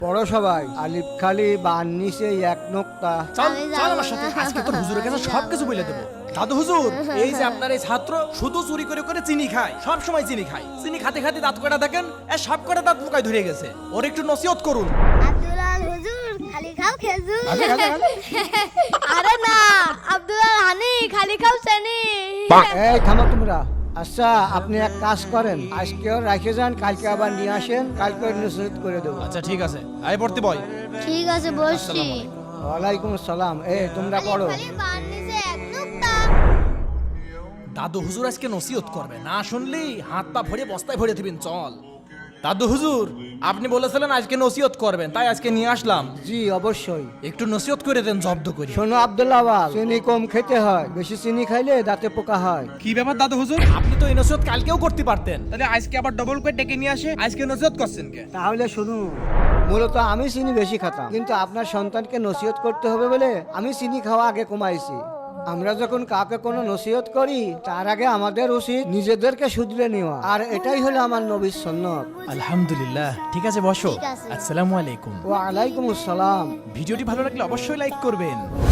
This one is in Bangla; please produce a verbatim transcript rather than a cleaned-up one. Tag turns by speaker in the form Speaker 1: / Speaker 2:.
Speaker 1: পড়ো সবাই, আলিফ খালি বান নিচে এক নোক্তা।
Speaker 2: চল
Speaker 3: আমি
Speaker 2: চল
Speaker 3: যাবো
Speaker 2: আমার সাথে,
Speaker 3: না।
Speaker 2: আজকে তোর হুজুরের কাছে
Speaker 3: আমি
Speaker 2: সব
Speaker 3: যাবো
Speaker 2: কিছু বলে দেবো। দাদু হুজুর, এই যে আপনার এই ছাত্র শুধু চুরি করে করে চিনি খায়, সব সময় চিনি খায়, চিনি খাতে খাতে দাঁত কটা দেখেন এ সব কটা দাঁত পোকায় ধরে গেছে, ওর একটু নসিহত করুন।
Speaker 3: আব্দুল আল হুজুর খালি খাও খেজুর।
Speaker 2: আগে, আগে, আগে।
Speaker 3: আরে না, আব্দুল আল হানি খালি খাও চেনি।
Speaker 1: এই থামো তোমরা। আচ্ছা আপনি এক কাজ করেন, আজকেও রেখে যান, কালকে আবার নিয়ে আসেন, কালকে নসিহত করে দেবো।
Speaker 2: আচ্ছা ঠিক আছে, আয় পড়তে বয়।
Speaker 3: ঠিক আছে বসছি।
Speaker 2: আসসালামু আলাইকুম।
Speaker 1: ওয়ালাইকুম আসসালাম। এই তোমরা পড়ো।
Speaker 3: খালি বান নিচে এক নুক্তা।
Speaker 2: দাদু হুজুর আজকে নসিহত করবে, না শুনলি হাত পা ভরে বস্তায় ভরে দিবেন। চল দাদু হুজুর, আপনি বলেছিলেন আজকে নসিহত করবেন, তাই আজকে নিয়ে আসলাম।
Speaker 1: জি অবশ্যই।
Speaker 2: একটু নসিহত করে দেন জব্দ করে।
Speaker 1: শোনো আব্দুল্লাহ আবাস, চিনি কম খেতে হয়, বেশি চিনি খাইলে দাঁতে পোকা হয়।
Speaker 4: কি ব্যাপার দাদু হুজুর?
Speaker 2: আপনি তো এই নসিহত কালকেও করতে পারতেন।
Speaker 4: তাহলে আজকে আবার ডবল করে ডেকে নিয়ে আসে, আজকে নসিহত করছেন কে?
Speaker 1: তাহলে শুনুন, মূলত আমি চিনি বেশি খাতাম, কিন্তু আপনার সন্তানকে নসিহত করতে হবে বলে আমি চিনি খাওয়া আগে কমাইছি। আমরা যখন কাউকে কোনো নসিহত করি তার আগে আমাদের উচিত নিজেদেরকে শুধরে নেওয়া, আর এটাই হলো আমার নবীর সুন্নাত।
Speaker 2: আলহামদুলিল্লাহ, ঠিক আছে বসো।
Speaker 3: ঠিক আছে।
Speaker 2: আসসালামু আলাইকুম।
Speaker 1: ওয়া আলাইকুম আসসালাম।
Speaker 2: ভিডিওটি ভালো লাগলে অবশ্যই লাইক করবেন।